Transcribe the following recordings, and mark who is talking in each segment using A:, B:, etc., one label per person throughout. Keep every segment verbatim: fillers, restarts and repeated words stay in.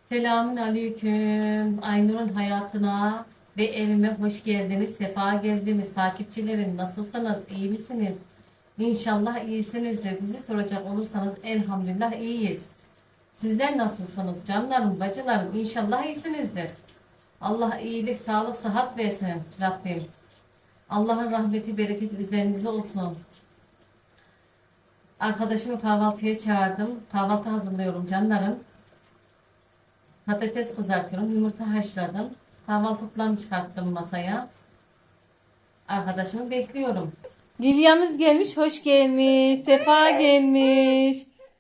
A: Selamun aleyküm. Aynur'un hayatına ve evime hoş geldiniz. Sefa geldiniz. Takipçilerim nasılsınız? İyi misiniz? İnşallah iyisinizdir. Bizi soracak olursanız elhamdülillah iyiyiz. Sizler nasılsınız? Canlarım, bacılarım İnşallah iyisinizdir. Allah iyilik, sağlık, sıhhat versin Rabbim. Allah'ın rahmeti, bereketi üzerinize olsun. Arkadaşımı kahvaltıya çağırdım. Kahvaltı hazırlıyorum canlarım. Patates kızartıyorum. Yumurta haşladım. Kahvaltılıklarımı çıkarttım masaya. Arkadaşımı bekliyorum. Lilya'mız gelmiş. Hoş gelmiş. Sefa gelmiş.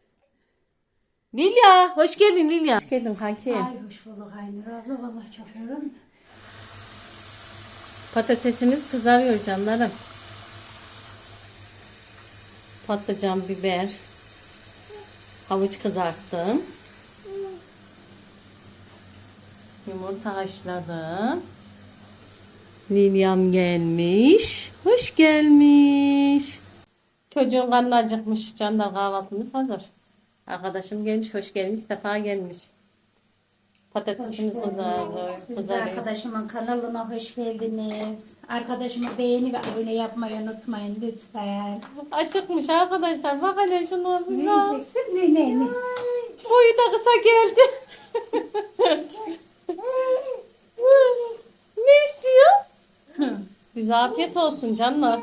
A: Lilya. Hoş geldin Lilya. Hoş geldin kanki.
B: Ay hoş bulduk Aynur abla. Vallahi çok yorulum.
A: Patatesimiz kızarıyor canlarım. Patlıcan, biber. Havuç kızarttım. Yumurta haşladım. Lilyam gelmiş. Hoş gelmiş. Çocuğun karnı acıkmış. Canlar kahvaltımız hazır. Arkadaşım gelmiş. Hoş gelmiş. Sefa gelmiş. Patatesimiz kızardı.
B: Siz de
A: Kızarıyor.
B: arkadaşımın kanalına hoş geldiniz. Arkadaşıma beğeni ve abone yapmayı unutmayın lütfen.
A: Acıkmış arkadaşlar. Bak hele şunu.
B: Ne yiyeceksin? Ne ne ne?
A: Boyu da kısa geldi. Ne istiyor? Bize afiyet olsun canlar.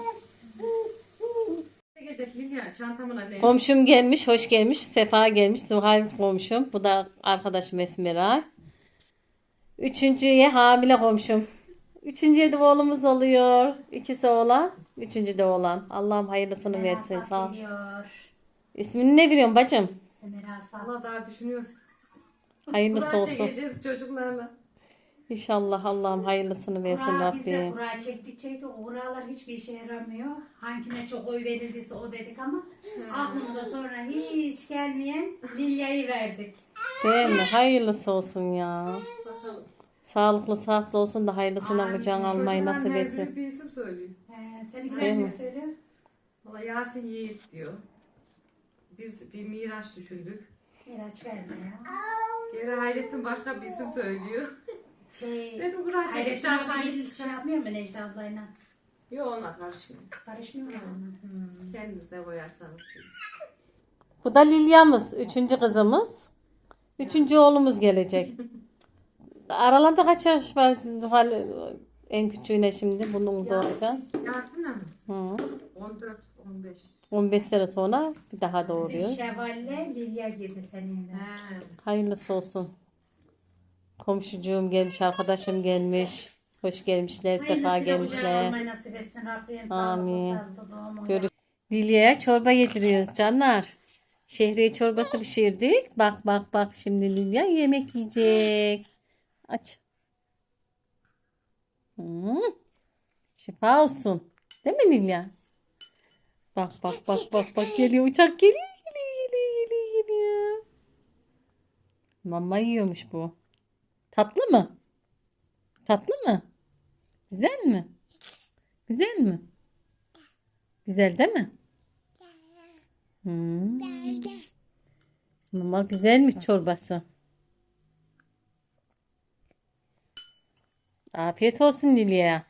A: Komşum gelmiş, hoş gelmiş. Sefa gelmiş. Zuhal komşum. Bu da arkadaşım Esmera. Üçüncüye hamile komşum. Üçüncüye de oğlumuz oluyor. İkisi oğlan. Üçüncü de oğlan. Allah'ım hayırlısını versin. Sağ ol.
B: Geliyor.
A: İsmini ne biliyorsun bacım?
B: Ömer Asaf.
C: Allah daha düşünüyoruz.
A: Hayırlısı
C: Kura
A: olsun.
C: çekeceğiz çocuklarla.
A: İnşallah Allah'ım hayırlısını versin
B: Kura, biz de
A: Rabbim.
B: kura çektik çektik. O kuralar hiçbir işe yaramıyor. Hangine çok oy verildiyse o dedik ama aklımıza sonra hiç gelmeyen Lilya'yı verdik.
A: Değil mi? Hayırlısı olsun ya.
C: Bakalım.
A: Sağlıklı sıhhatli olsun da hayırlısına kucağına almayı
C: Çocuklar
A: nasip
C: her
A: etsin.
C: biri bir isim söylüyor.
B: Ee, seninkiler
A: Değil
B: ne
A: mi?
B: söylüyor?
C: Valla Yasin Yiğit diyor. Biz bir Miraç düşündük.
B: Miraç verme ya.
C: Geri Hayrettin başka bir isim söylüyor.
B: Şey,
C: Dedim kura çekeceğiz.
B: Hayrettin abi
C: Şahsen
B: hiç şey yapmıyor mu Necla ablayla?
C: Yok ona karışmıyor.
B: Karışmıyor mu ona? Hmm.
C: Kendiniz de koyarsanız.
A: Bu da Lilya'mız. Üçüncü kızımız. Üçüncü oğlumuz gelecek. Aralarında kaç yaş var sizin Zuhal? En küçüğüne şimdi bunun doğacak.
C: Yasin'le mi?
A: Hı.
C: on dört on beş.
A: on beş sene sonra bir daha doğuruyor.
B: Bizim Şevval'le Lilya gibi seninle.
C: He.
A: Hayırlısı olsun. Komşucuğum gelmiş, arkadaşım gelmiş. Hoş gelmişler, sefa
B: Hayırlısıyla kucağına
A: gelmişler.
B: almayı nasip etsin Rabbim.
A: Amin.
B: Sağlıklı, sağlıklı doğumu.
A: Görüş. Lilya'ya çorba yediriyoruz canlar. Şehriye çorbası pişirdik. Bak bak bak şimdi Lilya yemek yiyecek. Aç. Hmm. Şifa olsun. Değil mi Lilya? Bak bak bak bak bak geliyor uçak geliyor geliyor geliyor geliyor geliyor. Mama yiyormuş bu. Tatlı mı? Tatlı mı? Güzel mi? Güzel mi? Güzel değil mi? Hmm. Mama güzelmiş çorbası. Afiyet olsun Lilya'ya.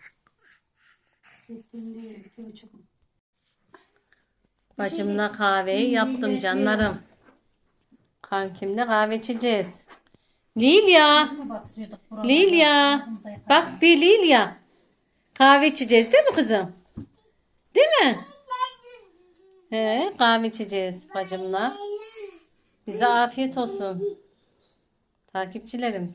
A: Bacımla kahveyi yaptım canlarım. Kankimle kahve içeceğiz. Lilya. Lilya. Bak bir Lilya. Kahve içeceğiz değil mi kızım? Değil mi? He, kahve içeceğiz bacımla. Bize afiyet olsun. Takipçilerim.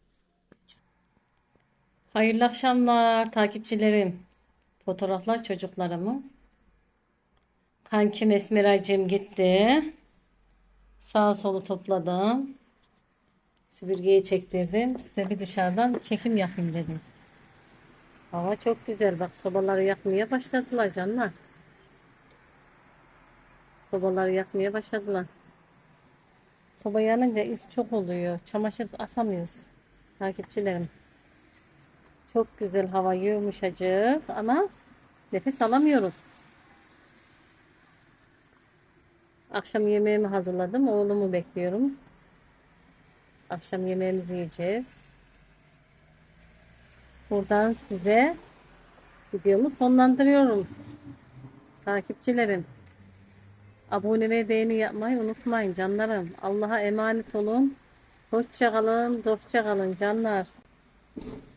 A: Hayırlı akşamlar takipçilerim. Fotoğraflar çocuklarımın. Kankim Esmeracığım gitti. Sağ solu topladım. Süpürgeyi çektirdim. Size bir dışarıdan çekim yapayım dedim. Hava çok güzel. Bak sobaları yakmaya başladılar canlar. Sobaları yakmaya başladılar. Soba yanınca is çok oluyor. Çamaşır asamıyoruz. Takipçilerim. Çok güzel hava yumuşacık ama nefes alamıyoruz. Akşam yemeğimi hazırladım. Oğlumu bekliyorum. Akşam yemeğimizi yiyeceğiz. Buradan size videomu sonlandırıyorum. Takipçilerim. Abone ve beğeni yapmayı unutmayın canlarım. Allah'a emanet olun. Hoşça kalın, dostça kalın canlar.